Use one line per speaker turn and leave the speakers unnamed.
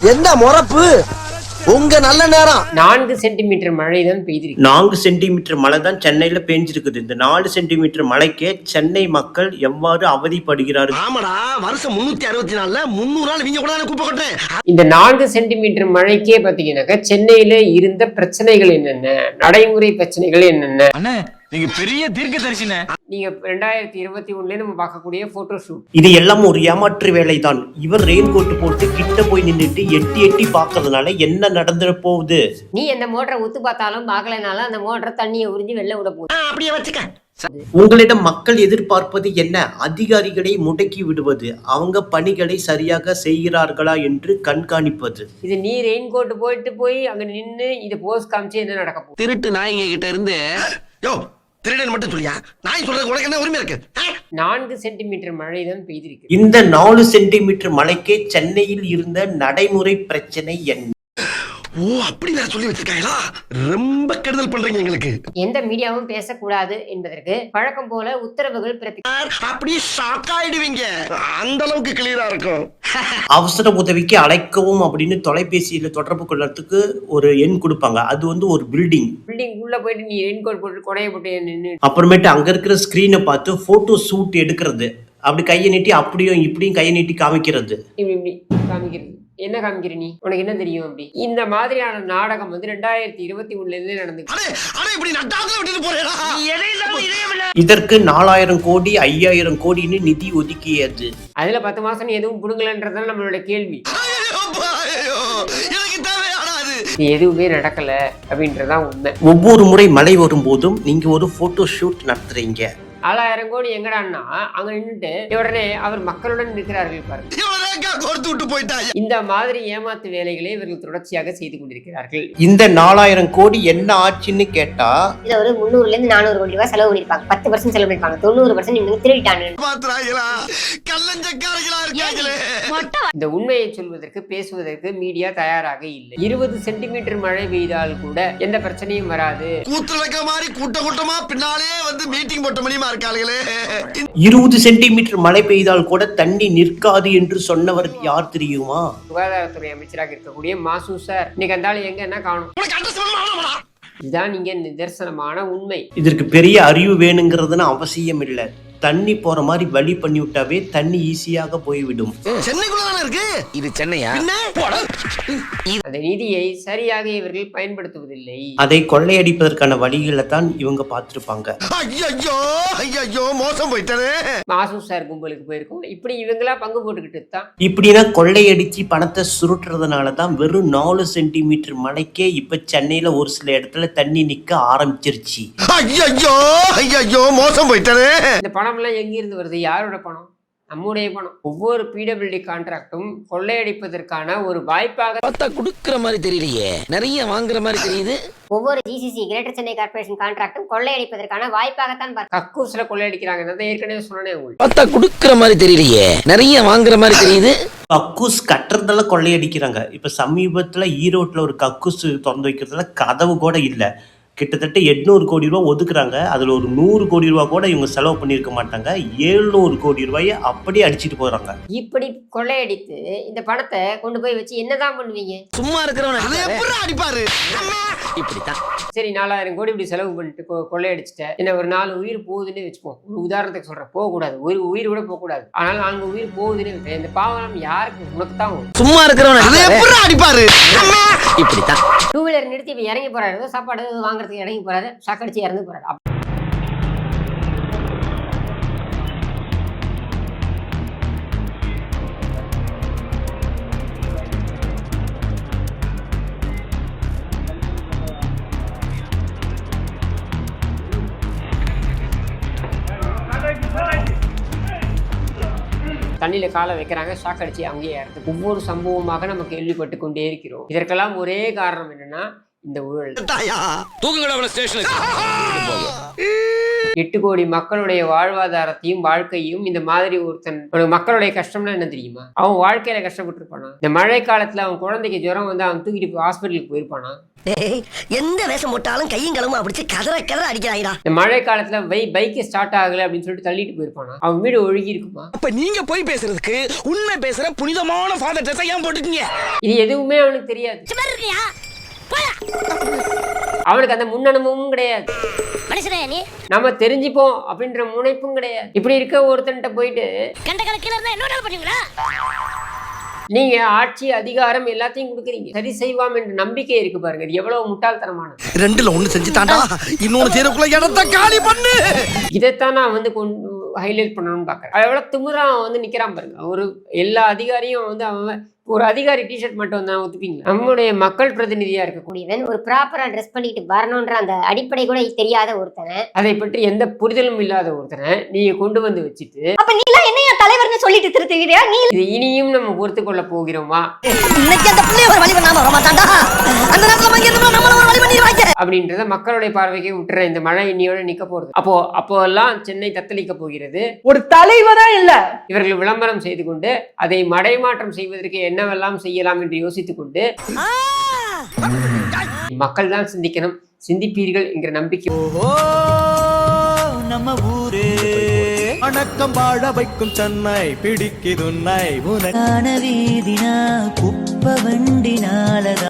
என்ன முறப்பு உங்க நல்ல நேரம்.
4 சென்டிமீட்டர் மழை தான் பெய்திருக்கு.
4 சென்டிமீட்டர் மழை தான் சென்னையில பெஞ்சிருக்குது. இந்த 4 சென்டிமீட்டர் மழைக்கே சென்னை மக்கள் எவ்வாறு அவதிப்படுகிறார்கள்.
ஆமாடா, வருஷம் 364ல 300 நாள் நீங்க கூட கூப்ப கொட்டேன்.
இந்த 4 சென்டிமீட்டர் மழைக்கே பாத்தீங்கன்னாக்கா சென்னையில இருந்த பிரச்சனைகள் என்னென்ன, நடைமுறை பிரச்சனைகள் என்னென்ன.
நீங்க பெரிய தீர்க்கதரிசினே.
நீங்க 2021ல நம்ம பார்க்கக்கூடிய போட்டோ ஷூட்,
இது எல்லாம் ஒரு ஏமாற்று வேலைதான். இவர் ரெயின் கோட் போட்டு கிட்ட போய் நின்றுட்டு எட்டி எட்டி பாக்குறதுனால என்ன நடந்துட போகுது?
நீ அந்த மோட்டரை உத்து பார்த்தாலும் பார்க்கலனாலும் அந்த மோட்டரை தண்ணியை உறிஞ்சி வெளில விட போகுது.
அப்படியே வச்சுக்க.
உங்களிடம் மக்கள் எதிர்பார்ப்பது என்ன? அதிகாரிகளை முடக்கி விடுவது, அவங்க பணிகளை சரியாக செய்கிறார்களா என்று கண்காணிப்பது.
இது நீ ரெயின் கோட் போயிட்டு போய் அங்க நின்னு இதை போஸ்ட் காமிச்சு என்ன நடக்க போகுது?
திருட்டு நாய்ங்க கிட்ட இருந்து யோ திருடன் மட்டும் சொல்லியா, நாய் சொல்றது உனக்கு என்ன உரிமை இருக்கு?
4 சென்டிமீட்டர் மழை தான் பெய்திருக்கு.
இந்த 4 சென்டிமீட்டர் மழைக்கே சென்னையில் இருந்த நடைமுறை பிரச்சனை என்ன?
ஓ, அப்படி வேற சொல்லி வச்சிருக்காங்களா? ரொம்ப கெடுதல் பண்றீங்க எங்களுக்கு.
எந்த மீடியாவும் பேசக்கூடாது என்பதற்கு வழக்கம் போல உத்தரவுகள்
அப்படியே ஷாக் ஆயிடுவீங்க. அந்த அளவுக்கு கிளியரா இருக்கும்.
அவசர உதவிக்கு அழைக்கவும் அப்படின்னு தொலைபேசியில தொடர்பு கொள்றதுக்கு ஒரு எண் கொடுப்பாங்க. அது வந்து ஒரு பில்டிங்
உள்ள போயிட்டு நீ ரெயின் கோட் போட்டு கொடையை போட்டு நின்று
அப்புறமேட்டு அங்க இருக்கிற ஸ்கிரீனை பார்த்து போட்டோ ஷூட் எடுக்கிறது, அப்படி கையை நீட்டி அப்படியும் இப்படியும் கையை நீட்டி காமிக்கிறது.
இப்படி காமிக்கிறது. என்ன காமிக்கிற நீ, உனக்கு என்ன தெரியும்? அப்படி இந்த மாதிரியான நாடகம் வந்து 2021ல இருந்தே நடந்துச்சு.
இதற்கு 4000 கோடி 5000 கோடின்னு நிதி ஒதுக்கியது.
அதுல 10 மாசம் நீ எதுவும் புடுங்கலன்றதுதான் நம்மளோட கேள்வி. இது எதுவுமே நடக்கல அப்படின்றதான் உண்மை.
ஒவ்வொரு முறை மழை வரும்போதும் நீங்க ஒரு போட்டோ ஷூட் நடத்துறீங்க.
4000 கோடி எங்கடான்னா அங்க நின்றுட்டு உடனே அவர் மக்களுடன் இருக்கிறார்கள் பாருங்க. இந்த மாதிரி ஏமாத்து வேலைகளை இவர்கள் தொடர்ச்சியாக செய்து கொண்டிருக்கிறார்கள்.
இந்த 4000 கோடி என்ன ஆச்சுன்னு கேட்டா,
இதுல ஒரு 300ல இருந்து 400 கோடி ரூபாய் செலவு பண்ணிருப்பாங்க. 10% செலவு பண்ணிருப்பாங்க. 90% இவங்க திருடிட்டாங்க.
இந்த உண்மையை சொல்வதற்கு பேசுவதற்கு மீடியா தயாராக இல்லை. 20 சென்டிமீட்டர் மழை பெய்தால் கூட எந்த பிரச்சனையும் வராது.
கூட்டமா பின்னாலே வந்து மீட்டிங் போட்ட மணிமா இருக்காங்களே.
20 சென்டிமீட்டர் மழை பெய்தால் கூட தண்ணி நிற்காது என்று சொன்னவர் யார் தெரியுமா?
சுகாதாரத்துறை அமைச்சராக இருக்கக்கூடிய மாசு சார். இன்னைக்கு அந்த ஆளு எங்க என்ன காணும்? இதுதான் நீங்க நிதர்சனமான உண்மை.
இதற்கு பெரிய அறிவு வேணுங்கிறதுன்னு அவசியம் இல்லை. தண்ணி போற மாதிரி வழி பண்ணி விட்டாவே தண்ணி ஈஸியாக போய்விடும்.
சென்னைக்குள்ளதானே இருக்கு இது. சென்னையா?
அந்த நிதியை சரியாக இவர்கள் பயன்படுத்துவதில்லை.
அதை கொள்ளையடிப்பதற்கான வழிகளை தான் இவங்க பார்த்திருப்பாங்க.
ஐயோ மோசம் போயிட்டானே.
மாசு சார் கும்பலுக்கு போயிருக்கோம். இப்படி இவங்களா பங்கு போட்டுக்கிட்டு தான்
இப்படின்னா கொள்ளையடிச்சு பணத்தை சுருட்டுறதுனால தான் வெறும் 4 சென்டிமீட்டர் மழைக்கே இப்ப சென்னையில ஒரு சில இடத்துல தண்ணி நிக்க ஆரம்பிச்சிருச்சு.
ஐயோ மோசம் போயிட்டானே.
இந்த பணம் எல்லாம் எங்கிருந்து வருது? யாரோட பணம்? நம்முடைய பணம். ஒவ்வொரு பிடபிள்யூடி கான்ட்ராக்டும் கொள்ளையடிப்பதற்கான ஒரு வாய்ப்பாக
கொடுக்கிற மாதிரி தெரியலையே, நிறைய வாங்குற மாதிரி தெரியுது.
ஒவ்வொரு ஜிசிசி கிரேட்டர் சென்னை கார்ப்பரேஷன் கான்ட்ராக்டும் கொள்ளையடிப்பதற்கான வாய்ப்பாகத்தான் கக்கூஸ்ல
கொள்ளையடிக்கிறாங்க. ஏற்கனவே சொன்னேன் உங்களுக்கு.
கொடுக்கிற மாதிரி தெரியலையே, நிறைய வாங்குற மாதிரி தெரியுது.
கக்கூஸ் கட்டுறதெல்லாம் கொள்ளையடிக்கிறாங்க. இப்ப சமீபத்துல ஈரோட்ல ஒரு கக்கூஸ் திறந்து வைக்கிறதுல கதவு கூட இல்ல. கிட்டத்தட்ட 800 கோடி ரூபாய் ஒதுக்குறாங்க. அதுல ஒரு 100 கோடி ரூபாய் கூட இவங்க செலவு பண்ணிருக்க மாட்டாங்க. 700 கோடி ரூபாயை அப்படியே அடிச்சிட்டு போறாங்க.
இப்படி கொள்ளையடித்து இந்த பணத்தை கொண்டு போய் வச்சு என்னதான் பண்ணுவீங்க?
சும்மா இருக்கிறவன்
அடிப்பாரு.
இப்படித்தான்.
சரி, 4000 கோடி இப்படி செலவு பண்ணிட்டு கொள்ளையடிச்சிட்ட என்ன, ஒரு 4 உயிர் போகுதுன்னு வச்சுப்போம். ஒரு உதாரணத்துக்கு சொல்றேன், போக கூடாது, ஒரு உயிர் கூட போக கூடாது. ஆனால் 4 உயிர் போகுதுன்னு இந்த பாவம் யாருக்கு? உனக்கு தான்.
சும்மா இருக்கிறவன்
அடிப்பாரு.
இப்படித்தான்.
2 வீலர் நிறுத்தி இப்ப இறங்கி போறாரு, சாப்பாடு வாங்குறதுக்கு இறங்கி போறாரு, சாக்கடிச்சு இறந்து போறாரு.
தண்ணியில காலை வைக்கிறாங்க, ஷாக் அடிச்சு அங்கேயே இறந்து. ஒவ்வொரு சம்பவமாக நம்ம கேள்விப்பட்டு கொண்டே இருக்கிறோம். இதற்கெல்லாம் ஒரே காரணம் என்னன்னா இந்த ஊழல். 8 கோடி மக்களுடைய வாழ்வாதாரத்தையும் வாழ்க்கையும் இந்த மாதிரி ஒருத்தன் மக்களுடைய கஷ்டம்னா என்ன தெரியுமா? அவன் வாழ்க்கையில கஷ்டப்பட்டு இருப்பானா? இந்த மழை காலத்துல அவன் குழந்தைக்கு ஜுரம் வந்து அவன் தூக்கிட்டு ஹாஸ்பிட்டலுக்கு போயிருப்பானா?
எந்த வேஷம் போட்டாலும் கையும் களமும் அப்படி கதற கதற அடிக்கிறாய்டா.
இந்த மழை காலத்துல பைக் ஸ்டார்ட் ஆகல அப்படின்னு சொல்லிட்டு தள்ளிட்டு போயிருப்பானா? அவன் வீடு ஒழுகி இருக்குமா?
அப்ப நீங்க போய் பேசுறதுக்கு உண்மை பேசுற புனிதமான ஃபாதர் ட்ரெஸ் ஏன் போட்டுக்கீங்க?
இது எதுவுமே அவனுக்கு தெரியாது. அவனுக்கு அந்த முன் அனுபவமும் கிடையாது. நம்ம தெரிஞ்சுப்போம் அப்படின்ற முனைப்பும் கிடையாது. இப்படி இருக்க ஒருத்தன்ட்ட போயிட்டு நீங்க ஆட்சி அதிகாரம் எல்லாத்தையும் கொடுக்குறீங்க, சரி செய்வாம் என்ற நம்பிக்கை இருக்கு பாருங்க. இது எவ்வளவு முட்டாள்தனமானது.
2ல 1 செஞ்சுட்டான்டா, இன்னொன்னு செய்யறதுக்குள்ள இடத்த காலி பண்ணு.
இதைத்தான் நான் வந்து ஹைலைட் பண்ணணும்னு பாக்குறேன். எவ்வளவு திமிரா வந்து நிக்கிறான் பாருங்க. ஒரு எல்லா அதிகாரியும் வந்து அவன் ஒரு அதிகாரி டிஷர்ட் மட்டும் தான் ஒத்துப்பீங்களா? நம்முடைய மக்கள் பிரதிநிதியா இருக்கக்கூடியவன்
ஒரு ப்ராப்பரா ட்ரெஸ் பண்ணிட்டு வரணும்ன்ற அந்த அடிப்படை கூட தெரியாத ஒருத்தனை,
அதை பற்றி எந்த புரிதலும் இல்லாத ஒருத்தனை நீங்க கொண்டு வந்து வச்சுட்டு
அப்ப நீ எல்லாம் என்னையா தலைவர்னு சொல்லிட்டு திருத்துகிறியா? நீ
இது இனியும் நம்ம பொறுத்து கொள்ள போகிறோமா?
இன்னைக்கு அந்த பிள்ளைய ஒரு வழி பண்ணாம வர மாட்டான்டா. அந்த நேரத்துல வாங்கி இருந்தா நம்மள ஒரு வழி பண்ணிடுவாங்க
அப்படின்றத மக்களுடைய பார்வைக்கே விட்டுற. இந்த மழை இன்னியோட நிக்க போறது. அப்போ எல்லாம் சென்னை தத்தளிக்க போகிறது.
ஒரு தலைவரா இல்ல,
இவர்கள் விளம்பரம் செய்து கொண்டு அதை மடைமாற்றம் செய்வதற்கு என்னவெல்லாம் செய்யலாம் என்று யோசித்துக் கொண்டு மக்கள் தான் சிந்திக்கணும், சிந்திப்பீர்கள் என்கிற நம்பிக்கை.
நம்ம ஊரே வணக்கம் வாழ வைக்கும் சென்னை பிடிக்குதுன்னை உனக்கான வீதினா குப்ப வண்டினால